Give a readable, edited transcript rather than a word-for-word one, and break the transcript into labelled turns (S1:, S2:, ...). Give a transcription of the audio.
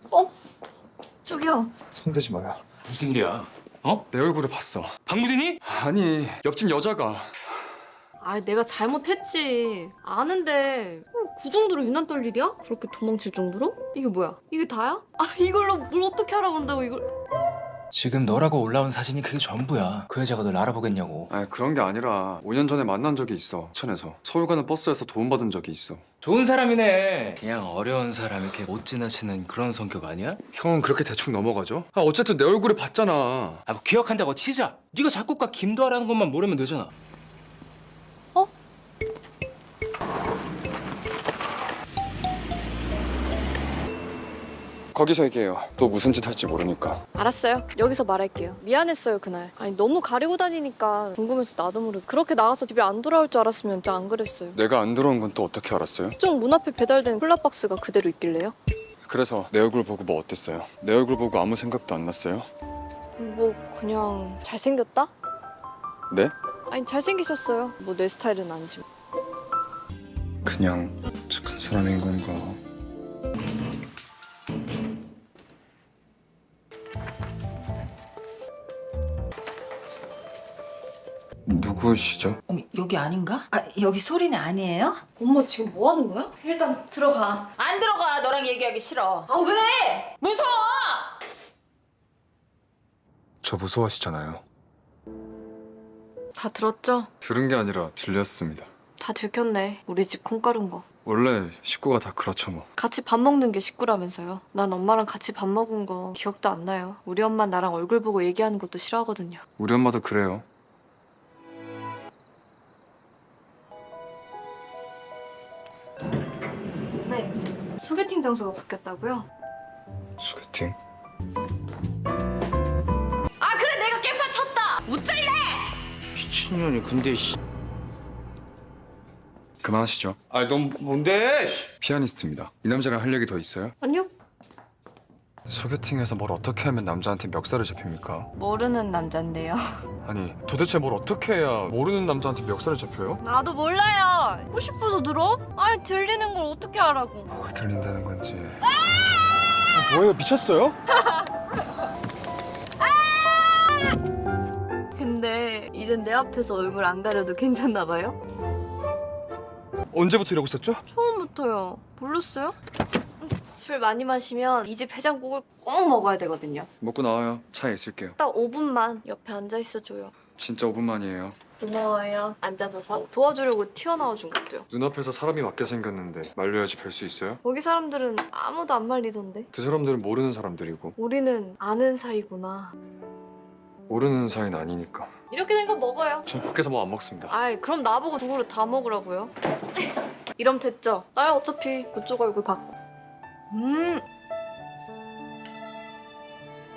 S1: 저기요.
S2: 손대지 마요.
S3: 무슨 일이야? 어?
S2: 내 얼굴을 봤어.
S3: 박무진이?
S2: 아니, 옆집 여자가.
S1: 아, 내가 잘못했지. 아는데 그 정도로 유난 떨 일이야? 그렇게 도망칠 정도로? 이게 뭐야? 이게 다야? 아, 이걸로 뭘 어떻게 알아본다고 이걸?
S3: 지금 너라고 올라온 사진이 그게 전부야. 그 여자가 널 알아보겠냐고.
S2: 아니, 그런 게 아니라 5년 전에 만난 적이 있어. 천에서. 서울 가는 버스에서 도움받은 적이 있어.
S3: 좋은 사람이네. 그냥 어려운 사람 이렇게 못 지나치는 그런 성격 아니야?
S2: 형은 그렇게 대충 넘어가죠? 아, 어쨌든 내 얼굴을 봤잖아.
S3: 아, 뭐 기억한다고 치자. 네가 작곡가 김도하라는 것만 모르면 되잖아.
S2: 거기서 얘기해요. 또 무슨 짓 할지 모르니까.
S1: 알았어요. 여기서 말할게요. 미안했어요, 그날. 아니, 너무 가리고 다니니까 궁금해서 나도 모르게. 그렇게 나가서 집에 안 돌아올 줄 알았으면 진짜 안 그랬어요.
S2: 내가 안 들어온 건 또 어떻게 알았어요?
S1: 쪽 문 앞에 배달된 콜라박스가 그대로 있길래요?
S2: 그래서 내 얼굴 보고 뭐 어땠어요? 내 얼굴 보고 아무 생각도 안 났어요?
S1: 뭐 그냥 잘생겼다?
S2: 네?
S1: 아니, 잘생기셨어요. 뭐 내 스타일은 아니지만.
S2: 그냥 착한 사람인 건가? 누구시죠?
S4: 여기 아닌가? 아, 여기 소리는 아니에요?
S1: 엄마 지금 뭐 하는 거야? 일단 들어가.
S4: 안 들어가. 너랑 얘기하기 싫어.
S1: 아, 왜?
S4: 무서워!
S2: 저 무서워하시잖아요.
S1: 다 들었죠?
S2: 들은 게 아니라 들렸습니다.
S1: 다 들켰네. 우리 집 콩가루인 거.
S2: 원래 식구가 다 그렇죠 뭐.
S1: 같이 밥 먹는 게 식구라면서요. 난 엄마랑 같이 밥 먹은 거 기억도 안 나요. 우리 엄마 나랑 얼굴 보고 얘기하는 것도 싫어하거든요.
S2: 우리 엄마도 그래요.
S1: 네. 소개팅 장소가 바뀌었다고요?
S2: 소개팅?
S1: 아, 그래, 내가 깽판 쳤다. 무짤래.
S3: 미친년이 근데
S2: 그만하시죠.
S3: 아니 넌 뭔데?
S2: 피아니스트입니다. 이 남자랑 할 얘기 더 있어요?
S1: 아니요.
S2: 소개팅에서 뭘 어떻게 하면 남자한테 멱살을 잡힙니까?
S1: 모르는 남잔데요.
S2: 아니 도대체 뭘 어떻게 해야 모르는 남자한테 멱살을 잡혀요?
S1: 나도 몰라요. 듣고 싶어서 들어? 아니, 들리는 걸 어떻게 알아고.
S2: 뭐가 들린다는 건지. 뭐예요? 미쳤어요?
S1: 근데 이젠 내 앞에서 얼굴 안 가려도 괜찮나 봐요?
S2: 언제부터 이러고 있었죠?
S1: 처음부터요. 몰랐어요? 술 많이 마시면 이 집 해장국을 꼭 먹어야 되거든요.
S2: 먹고 나와요. 차에 있을게요.
S1: 딱 5분만 옆에 앉아 있어줘요.
S2: 진짜 5분만이에요.
S1: 고마워요. 앉아줘서. 도와주려고 튀어나와준 것도요.
S2: 눈앞에서 사람이 맞게 생겼는데 말려야지 뵐 수 있어요?
S1: 거기 사람들은 아무도 안 말리던데.
S2: 그 사람들은 모르는 사람들이고
S1: 우리는 아는 사이구나.
S2: 모르는 사이는 아니니까.
S1: 이렇게 된 거 먹어요.
S2: 전 밖에서 뭐 안 먹습니다.
S1: 아이, 그럼 나보고 두 그릇 다 먹으라고요? 이러면 됐죠? 나야 어차피 그쪽 얼굴 받고.